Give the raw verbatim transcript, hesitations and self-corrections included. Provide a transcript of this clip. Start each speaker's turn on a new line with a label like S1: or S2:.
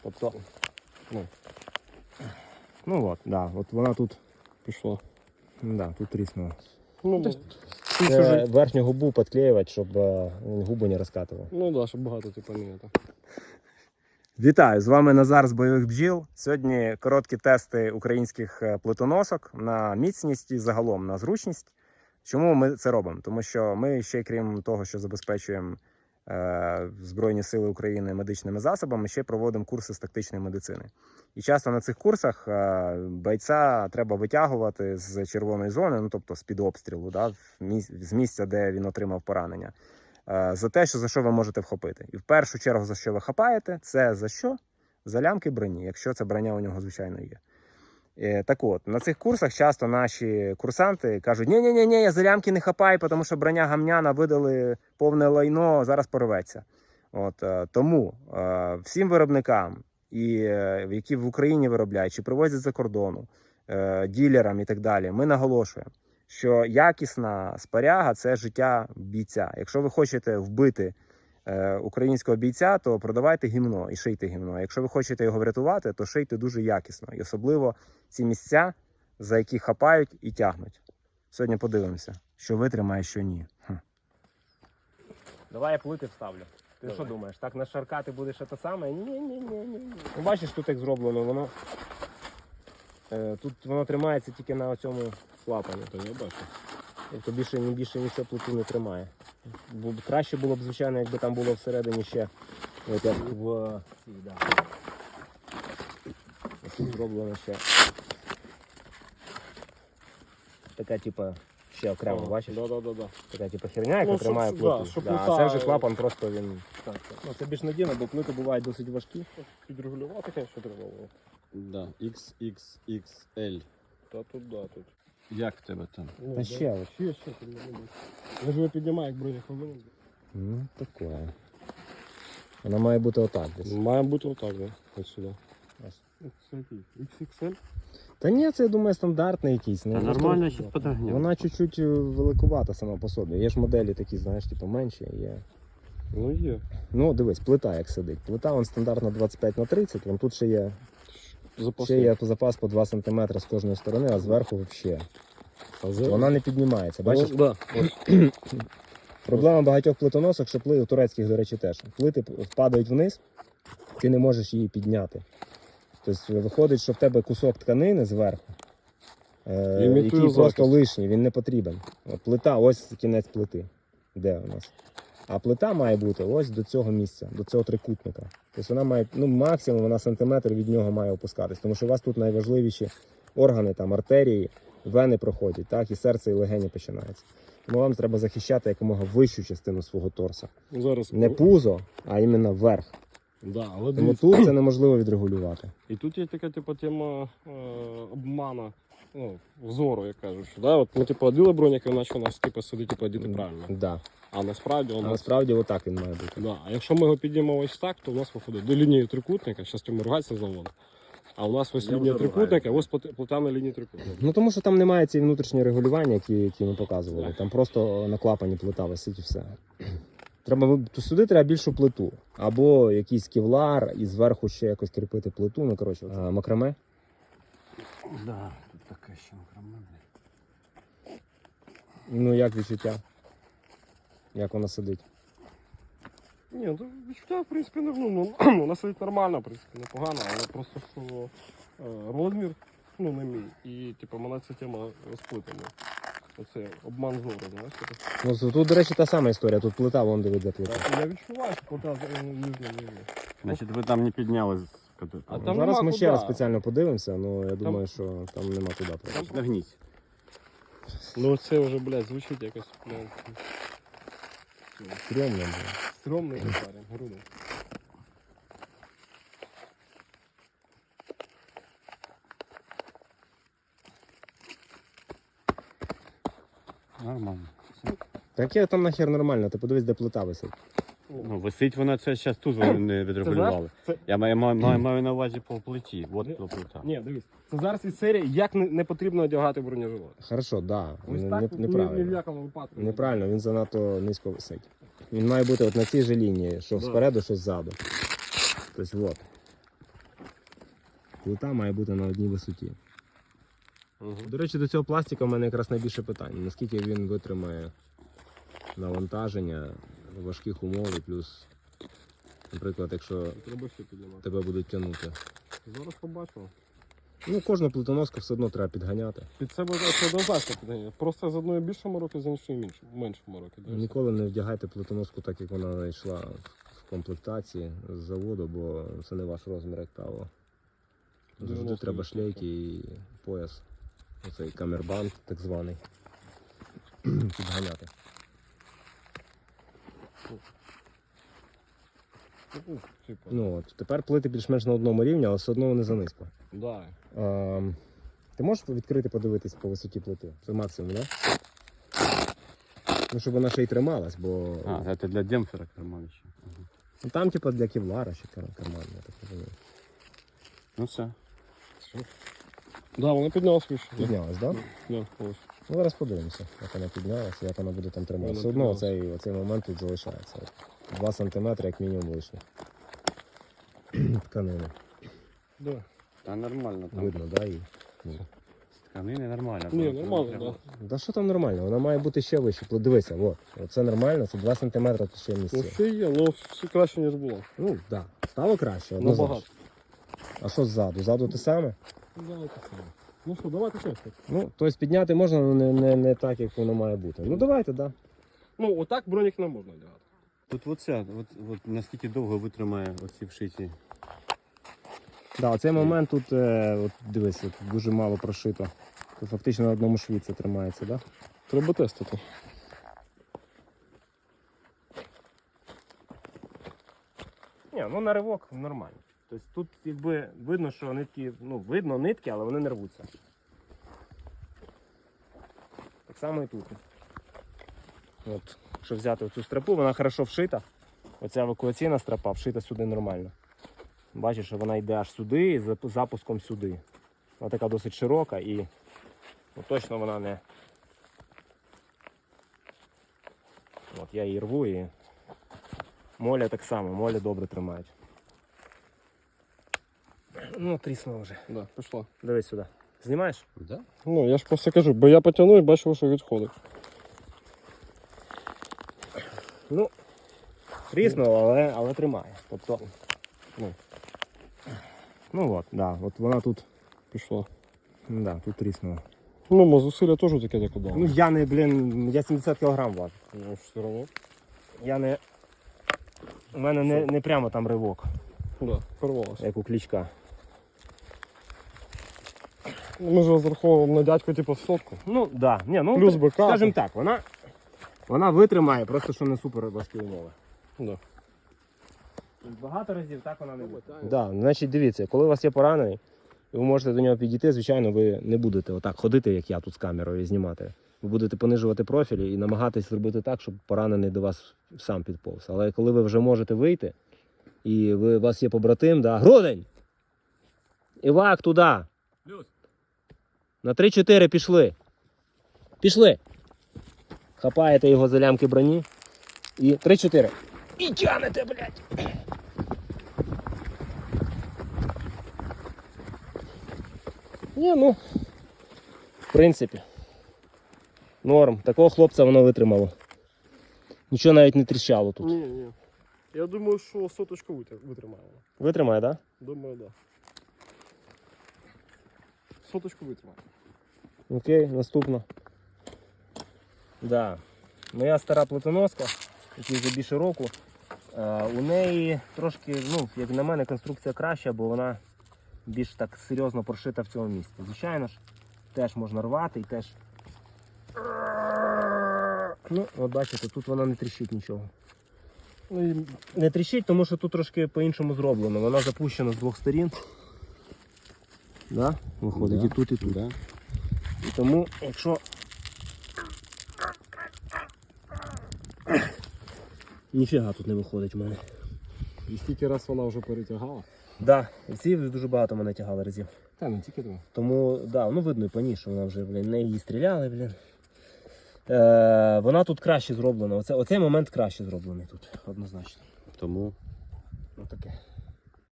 S1: Тобто, ну,
S2: Ну от, да, от вона тут,
S1: пішло.
S2: да, тут тріснула.
S1: Ну,
S2: Це
S1: це...
S2: верхню губу підклеювати, щоб е, він губу не розкатував.
S1: ну да, щоб багато типу не это.
S2: Вітаю, з вами Назар з бойових бджіл. Сьогодні короткі тести українських плитоносок на міцність і загалом на зручність. Чому ми це робимо? Тому що ми ще, крім того, що забезпечуємо е, Збройні Сили України медичними засобами, ще проводимо курси з тактичної медицини. І часто на цих курсах е, бойця треба витягувати з червоної зони, ну тобто з-під обстрілу, да, з місця, де він отримав поранення, е, за те, що за що ви можете вхопити. І в першу чергу, за що ви хапаєте, це за що? За лямки броні, якщо це броня у нього, звичайно, є. Так от, на цих курсах часто наші курсанти кажуть, ні-ні-ні, я за лямки не хапаю, тому що броня гамняна, видали повне лайно, зараз порветься. От, тому е, всім виробникам, і, е, які в Україні виробляють, чи привозять за кордону, е, ділерам і так далі, ми наголошуємо, що якісна спаряга – це життя бійця. Якщо ви хочете вбити українського бійця, то продавайте гімно і шийте гімно. Якщо ви хочете його врятувати, то шийте дуже якісно. І особливо ці місця, за які хапають і тягнуть. Сьогодні подивимося, що витримає, що ні. Хм. Давай я плити вставлю. Ти Давай. Що думаєш, так на шарка ти будеш те саме? Ні-ні-ні. Ну, бачиш, тут як зроблено, воно е, тут воно тримається тільки на цьому клапані, то я бачу. Тобто більше, більше нічого плиту не тримає. Бо краще було б, звичайно, якби там було всередині ще от як в цій, да. Ось тут зроблено ще така, типа, ще окремо,
S1: О,
S2: бачиш?
S1: Да, да, да, да.
S2: Така, типа, херня, яка
S1: ну,
S2: тримає
S1: щоб,
S2: плиту.
S1: Да, щоб
S2: да,
S1: плита...
S2: А це вже клапан просто він...
S1: Так, так.
S2: Ну, це більш надійно, бо плити бувають досить важкі.
S1: Підрегулювати, звісно, треба було.
S3: Да, ікс ікс ікс ель.
S1: Та тут, да, тут.
S3: Як в тебе там?
S1: Ну,
S2: Та
S1: да.
S2: ще ось.
S1: Ще, ще, тут не буде. Я ж його піднімаю, як броня хвилину.
S2: Ну, таке. Вона має бути отак десь.
S1: Має бути отак, да, ось сюди.
S2: Ось.
S1: Це який? ікс ікс ель?
S2: Та ні, це, я думаю, стандартний якийсь. Ну,
S3: Та
S2: просто
S3: нормально, щось подогнемо.
S2: Вона чуть-чуть великувата сама по собі. Є ж моделі такі, знаєш, типу менші, є.
S1: Ну є.
S2: Ну, дивись, плита як сидить. Плита вон стандартно двадцять п'ять на тридцять, вон тут ще є,
S1: Запасний.
S2: ще є запас по два сантиметри з кожної сторони, а зверху взагалі. Вона не піднімається, бачиш?
S1: Ну, да.
S2: Проблема багатьох плитоносок, що плити, турецьких, до речі, теж. Плити впадають вниз, ти не можеш її підняти. Тобто виходить, що в тебе кусок тканини зверху, е, який
S1: захист.
S2: просто лишній, він не потрібен. От плита, ось кінець плити. Де у нас? А плита має бути ось до цього місця, до цього трикутника. Тобто вона має, ну максимум вона сантиметр від нього має опускатись. Тому що у вас тут найважливіші органи, там артерії, вени проходять, так, і серце, і легені починаються. Тому вам треба захищати якомога вищу частину свого торса.
S1: Зараз.
S2: Не пузо, а іменно верх.
S1: Да, але
S2: Тому
S1: дивіться.
S2: тут це неможливо відрегулювати.
S1: І тут є така типу, тема е, обмана, ну, зору, як кажуть. Що, да? От ми типу, оділи броніки, наче у нас типу, сидить типу, одіти правильно.
S2: Да.
S1: А насправді у
S2: А
S1: нас...
S2: насправді отак він має бути.
S1: Да. А якщо ми його піднімемо ось так, то у нас виходить до лінії трикутника, зараз йому ругатися заводу. А у нас ось
S3: Я
S1: лінія
S3: вже
S1: трикутника, ось плит- плита на лінії трикутника.
S2: Ну тому що там немає цієї внутрішньої регулювання, які, які ми показували. Там просто на клапані плита висить і все. Треба, то сюди треба більшу плиту. Або якийсь кевлар і зверху ще якось кріпити плиту. Ну, коротше, а, макраме.
S3: Да, тут така ще огромна.
S2: Ну як відчуття? Як вона сидить?
S1: Ні, ну відчуття, в принципі, не ну, ну, вона сидить нормально, в принципі, непогано, але просто що е, розмір, ну, не мій. І, типу, мене ця тема розплитана. Оце обман зору, знаєш.
S2: Ну тут, до речі, та сама історія. Тут плита, вон де де плита.
S1: Я відчуваю, що плита нижня нижня.
S3: Значить, ви там не підняли з кату-
S1: А
S2: Ну,
S1: там
S2: зараз
S1: нема
S2: ми
S1: куди.
S2: ще раз спеціально подивимося, але я думаю, що там нема куди. просто.
S3: Нагніть.
S1: Ну це вже, блядь, звучить якось, блядь,
S2: Стрьомно, блін.
S1: стрьомний парень, грудний.
S3: Нормально.
S2: Так я там нахер нормально, ти подивись, де плита висить.
S3: Ну, висить вона, це зараз тут вони не відрегулювали.
S1: Це,
S3: Я маю, маю, маю, маю на увазі по плиті. От по плита.
S1: ні, дивись, це зараз із серії, як не, не потрібно одягати бронежилет.
S2: Хорошо, да.
S1: Ось
S2: Не,
S1: так,
S2: не,
S1: ні, ні в
S2: неправильно.
S1: якому випадку.
S2: Неправильно, він занадто низько висить. Він має бути от на цій же лінії, що
S1: Да.
S2: спереду, що ззаду. Тобто, от. плита має бути на одній висоті.
S1: Угу.
S2: До речі, до цього пластика в мене якраз найбільше питань. Наскільки він витримає навантаження, важких умов, і плюс, наприклад, якщо
S1: Треба ще піднімати.
S2: тебе будуть тягнути.
S1: Зараз побачимо.
S2: Ну, кожну плитоноску все одно треба підганяти.
S1: Під себе це однозначно підганяє. Просто з одної більшому року, з іншої меншому, меншому року. Да, і все.
S2: Ніколи не вдягайте плитоноску так, як вона йшла в комплектації з заводу, бо це не ваш розмір, як правило. Завжди
S1: дев'яносто
S2: треба
S1: відсотків.
S2: шлейки і пояс. Оцей камербанд так званий. Підганяти.
S1: Ну, типу,
S2: Ну от, тепер плити більш-менш на одному рівні, але все одно вони занизько.
S1: да.
S2: А, ти можеш відкрити, подивитись по висоті плити? Це максимум, так? Да? Ну, щоб вона ще й трималась, бо
S3: А, це для демпфера карман ще. Ага.
S2: ну, там, типу, для кевлара ще кар- карман, я так розумію.
S3: Ну все.
S1: Да, вона піднялась вище.
S2: Піднялась, так? Да?
S1: Да, ось.
S2: Ну, зараз подивимося, як вона піднялася, як вона буде там триматися.
S1: Вона
S2: Все одно
S1: піднялась.
S2: оцей, оцей момент тут залишається. два сантиметри як мінімум лишніх. Тканини.
S1: Да.
S3: Та нормально там.
S2: Видно, да? І... ну.
S3: З тканини нормально.
S1: Ні,
S3: там
S1: нормально,
S3: треба-
S1: да.
S2: Да що там нормально? Вона має бути ще вище. От Дивися, от. Це нормально, це два сантиметри тут ще
S1: Ну,
S2: місце.
S1: ще є, але все краще, ніж було.
S2: Ну, так. Да. Стало краще,
S1: Набагато.
S2: однозначно. А що ззаду? Ззаду те саме?
S1: Да, так само. Ну що, давайте тестити.
S2: Ну, тобто підняти можна, але не, не, не так, як воно має бути. Ну давайте, так. Да.
S1: Ну, отак бронік не можна одягати.
S3: Тут оце, от, от наскільки довго витримає оці вшиті.
S2: Да, оцей момент тут, е, от дивись, от дуже мало прошито. Тут фактично на одному шві це тримається, так? Да?
S1: Треба тестити.
S2: Ні, ну на ривок нормально. Тобто тут якби видно, що нитки, ну видно нитки, але вони не рвуться. Так само і тут. От, якщо взяти цю стропу, вона хорошо вшита. Оця евакуаційна стропа вшита сюди нормально. Бачиш, що вона йде аж сюди і з запуском сюди. Вона така досить широка і ну, точно вона не. От я її рву і моля так само, моля добре тримають. Ну, тріснуло вже.
S1: Да, пішла.
S2: Дивись сюди. Знімаєш?
S3: Да?
S1: Ну, я ж просто кажу, бо я потягну і бачу, що відходить.
S2: Ну, тріснуло, але, але тримає. Тобто, ну, ну от, да, от вона тут,
S1: Пішла.
S2: да, тут тріснула.
S1: Ну, мо зусилля теж таке таке дало.
S2: Ну я не, блін, я сімдесят кілограм важу.
S1: Ну, все одно.
S2: Я не, у мене не, не прямо там ривок,
S1: Да, порвалося.
S2: як у Кличка.
S1: Ми ж розраховуємо на дядьку, типу, в сотку.
S2: Ну, да, ні, ну,
S1: Плюс БК.
S2: скажімо так, вона, вона витримає, просто що не супер важкі умови.
S1: Да.
S2: Багато разів так вона не
S1: буде.
S2: Да, значить, дивіться, коли у вас є поранений, і ви можете до нього підійти, звичайно, ви не будете отак ходити, як я тут з камерою, і знімати. Ви будете понижувати профілі і намагатись зробити так, щоб поранений до вас сам підповз. Але коли ви вже можете вийти, і ви, у вас є побратим, да, Грудень! Івак, туди! На три-чотири пішли. Пішли! Хапаєте його за лямки броні. І три-чотири. І тянете, блядь! Ні, ну, в принципі, норм. Такого хлопця воно витримало. Нічого навіть не тріщало тут.
S1: Ні, ні. Я думаю, що соточку витр- витримає. вона.
S2: Витримає, так?
S1: Думаю, так. Да. Соточку витримає.
S2: Да? Окей, наступно. Да. Моя стара плитоноска, якій вже більше року, е, у неї трошки, ну, як на мене, конструкція краща, бо вона більш так серйозно прошита в цьому місці. Звичайно ж, теж можна рвати і теж. Ну, от бачите, тут вона не тріщить нічого.
S1: Ну, і
S2: Не тріщить, тому що тут трошки по-іншому зроблено. Вона запущена з двох сторін. Да? Виходить
S3: Да.
S2: і тут, і тут.
S3: Да.
S2: І тому, якщо. Ніфіга тут не виходить в мене.
S1: І скільки раз вона вже перетягала?
S2: Да, і ці дуже багато мене тягали разів.
S1: Та не тільки два.
S2: Тому, да, ну видно і по ній, що вона вже, блін, не її стріляли, блін. Е, вона тут краще зроблена. Оце, оцей момент краще зроблений тут, однозначно.
S3: Тому
S2: Ну таке.